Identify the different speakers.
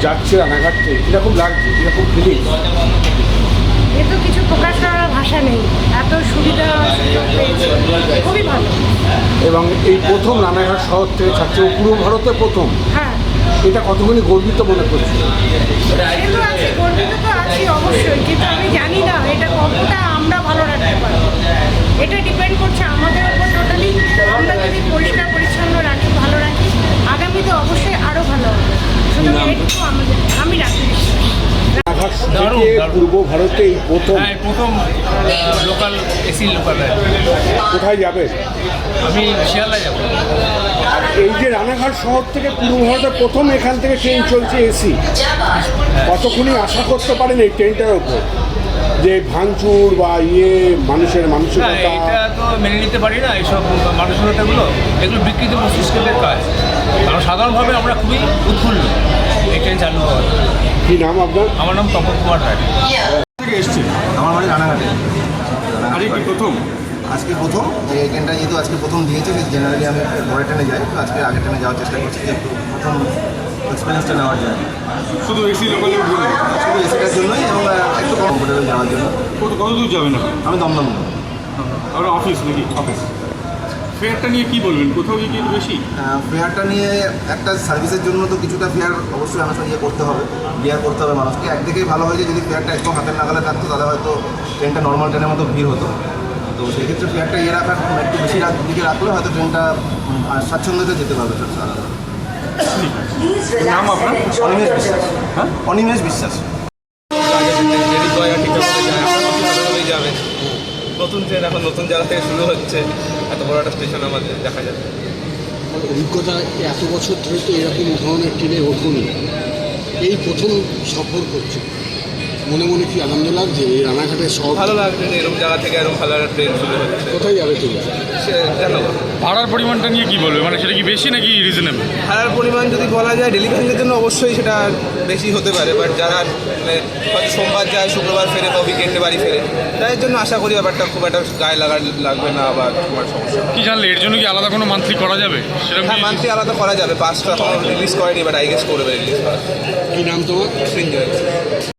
Speaker 1: যাচ্ছে রানাঘাটে, কীরকম লাগছে, কীরকম ফিলিংস?
Speaker 2: এ তো কিছু প্রকাশ করার ভাষা নেই, এত সুবিধা সুযোগ পেয়েছি, খুবই ভালো।
Speaker 1: এবং এই প্রথম রানাঘাট শহর থেকে ছাত্র পুরো ভারতে প্রথম,
Speaker 2: হ্যাঁ,
Speaker 1: এটা কতখানি গর্বিত মনে করছি?
Speaker 2: সে তো আছি, গর্বিত তো আছি অবশ্যই, কিন্তু আমি জানি না এটা কতটা আমরা ভালো রাখতে পারবো। এটা ডিপেন্ড করছে আমাদের উপর টোটালি। আমরা যদি পরিষ্কার পরিচ্ছন্ন রাখি, ভালো রাখি, আগামীতে অবশ্যই আরও ভালো হবে। সুতরাং এইটুকু আমাদের, আমি রাখি বিশ্বাস।
Speaker 1: রানাঘাট থেকে পূর্ব ভারতে এই প্রথম।
Speaker 3: হ্যাঁ, প্রথম লোকাল এসি লোকাল রাইড।
Speaker 1: কোথায় যাবে?
Speaker 3: আমি শিয়ালদা যাব।
Speaker 1: আর এই যে রানাঘাট শহর থেকে পূর্ব ভারতে প্রথম এখান থেকে ট্রেন চলছে এসি, কতক্ষণই আশা করতে পারেন এই ট্রেনটার ওপর যে ভাঙচুর বা মানুষের
Speaker 3: না,
Speaker 1: মানসিকতা?
Speaker 3: এটা তো মেনে নিতে পারি না, এইসব মানসিকতাগুলো, এগুলো বিকৃত মস্তিষ্কের কাজ। কারণ সাধারণভাবে আমরা খুবই উৎফুল্ল এই ট্রেন চালু হওয়ার।
Speaker 1: কি নাম আপনার?
Speaker 3: আমার নাম তপন কুমার রায়।
Speaker 1: থেকে এসছে?
Speaker 4: আমার বাড়ি রানাঘাটে।
Speaker 1: আজকে কি প্রথম?
Speaker 4: আজকে প্রথম এই ট্রেনটা যেহেতু আজকে প্রথম দিয়েছে, জেনারেলি আমি পরের ট্রেনে যাই, তো আজকে আগের ট্রেনে যাওয়ার চেষ্টা করছি যে একটু প্রথম এক্সপিরিয়েন্সটা নেওয়ার জন্য।
Speaker 1: শুধু এসি লোকালে উঠবেন?
Speaker 4: শুধু এসিটার জন্যই এবং একটু কমফোর্টেবল যাওয়ার জন্য।
Speaker 1: কত দূর যাবেন?
Speaker 4: আমি দমদম
Speaker 1: আর অফিস নাকি?
Speaker 4: অফিস।
Speaker 1: ফেয়ারটা নিয়ে কি বলবেন? কোথাও গিয়ে কি বেশি?
Speaker 4: ফেয়ারটা নিয়ে একটা সার্ভিসের জন্য তো কিছুটা ফেয়ার অবশ্যই আমাকে করতে হবে, বিয়ার করতে হবে মানুষকে। একদিকেই ভালো হয়েছে যদি ফেয়ারটা একদম হাতের নাগালে থাকতো, তাহলে হয়তো ট্রেনটা নর্মাল ট্রেনের মতো ভিড় হতো। তো সেক্ষেত্রে ফেয়ারটা রাখার একটু বেশি দিকে রাখলে হয়তো ট্রেনটা স্বাচ্ছন্দ্যতে যেতে পারবে।
Speaker 1: নাম আপনার?
Speaker 4: অনিমেষ বিশ্বাস।
Speaker 1: হ্যাঁ,
Speaker 4: অনিমেষ বিশ্বাস।
Speaker 5: যাবে নতুন ট্রেন, এখন নতুন জায়গা থেকে শুরু হচ্ছে, এত বড় একটা স্টেশন আমাদের দেখা যাবে।
Speaker 6: অভিজ্ঞতা এত বছর ধরে তো এরকম ধরনের ট্রেনে ওঠুনি, এই প্রথম সফর করছে। মনে মনে কি আনন্দ লাগছে এই রানাঘাটের শহর?
Speaker 5: ভালো লাগছে যে এরকম জায়গা থেকে এরকম ভালো একটা ট্রেন শুরু হচ্ছে।
Speaker 6: কোথায় যাবে তুমি?
Speaker 5: সে জানো
Speaker 7: ভাড়ার পরিমাণটা নিয়ে কি বলবে, মানে সেটা কি বেশি নাকি রিজনেবল?
Speaker 5: ভাড়ার পরিমাণ যদি বলা যায় ডেলিভারির জন্য অবশ্যই সেটা বেশি হতে পারে, বাট যারা মানে হয়তো সোমবার যায়, শুক্রবার ফেরে বা উইকেন্ডে বাড়ি ফেরে, তাদের জন্য আশা করি ব্যাপারটা খুব একটা গায়ে লাগবে না বা তোমার সমস্যা।
Speaker 7: কি জানলে এর জন্য কি আলাদা কোনো মান্থলি করা যাবে? সেরকম
Speaker 5: হ্যাঁ, মান্থলি আলাদা করা যাবে। 5টা রিলিজ করেনি, বাট আই গেস করবে রিলিজ করা।
Speaker 6: কি নাম তোমার?
Speaker 5: সৃঞ্জয়।